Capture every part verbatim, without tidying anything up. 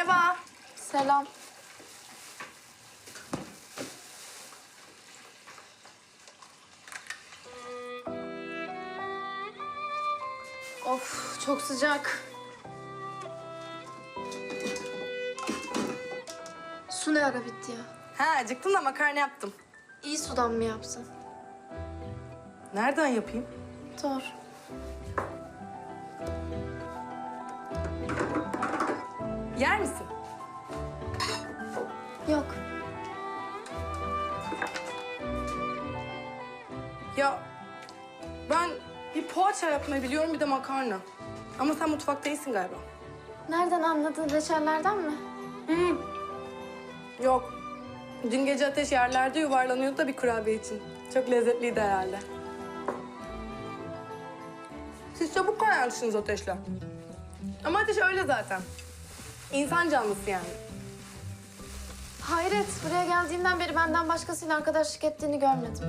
Merhaba. Selam. Of, çok sıcak. Su ne ara bitti ya? Ha acıktım da makarna yaptım. İyi sudan mı yapsın? Nereden yapayım? Doğru. Yer misin? Yok. Ya ben bir poğaça yapmayı biliyorum bir de makarna. Ama sen mutfakta iyisin galiba. Nereden anladın? Reçellerden mi? Hı. Yok. Dün gece Ateş yerlerde yuvarlanıyordu da bir kurabiye için. Çok lezzetliydi herhalde. Siz çabuk kaynarsınız Ateş'le. Ama Ateş öyle zaten. İnsan canlısı yani. Hayret, buraya geldiğinden beri benden başkasıyla arkadaşlık ettiğini görmedim.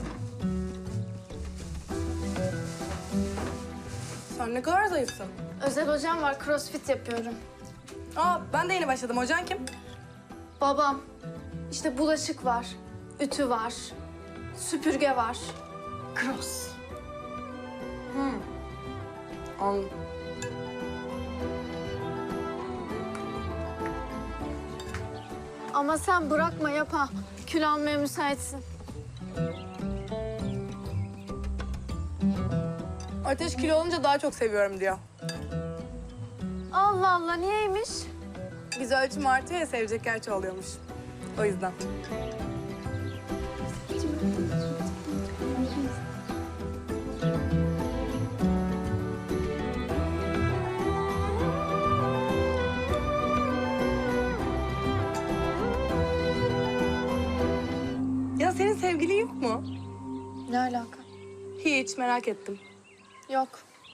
Sen ne kadar zayıfsın. Özel hocam var, crossfit yapıyorum. Aa ben de yeni başladım. Hocan kim? Babam. İşte bulaşık var, ütü var, süpürge var. Cross. Anladım. Ama sen bırakma yap ha. Kül almaya müsaitsin. Ateş kilo olunca daha çok seviyorum diyor. Allah Allah, niyeymiş? Biz ölçüm artıyor ya sevecek gerçi oluyormuş. O yüzden. Ya senin sevgilin yok mu? Ne alaka? Hiç merak ettim. Yok.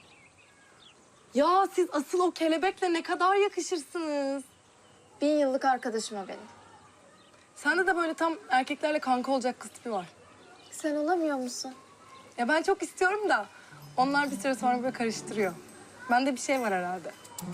Ya siz asıl o kelebekle ne kadar yakışırsınız. Bin yıllık arkadaşım o benim. Sende de böyle tam erkeklerle kanka olacak kız tipi var. Sen olamıyor musun? Ya ben çok istiyorum da onlar bir süre sonra böyle karıştırıyor. Bende bir şey var herhalde.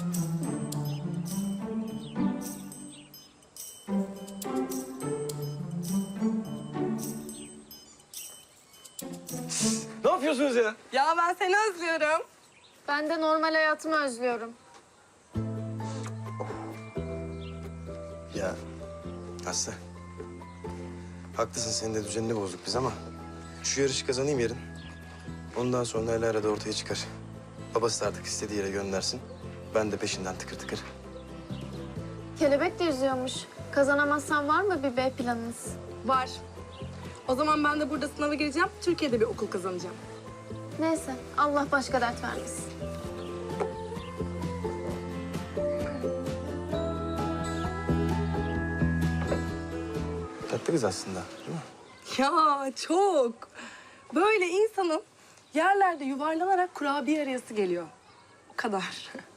Ne yapıyorsunuz ya? Ya ben seni özlüyorum. Ben de normal hayatımı özlüyorum. Ya Aslı. Haklısın, senin de düzenini bozduk biz ama şu yarışı kazanayım yarın. Ondan sonra el arada ortaya çıkar. Babası da artık istediği yere göndersin. Ben de peşinden tıkır tıkır. Kelebek de yüzüyormuş. Kazanamazsan var mı bir B planınız? Var. O zaman ben de burada sınava gireceğim. Türkiye'de bir okul kazanacağım. Neyse, Allah başka dert vermesin. Tatlı kız aslında, değil mi? Ya çok. Böyle insanın yerlerde yuvarlanarak kurabiye arayası geliyor. O kadar.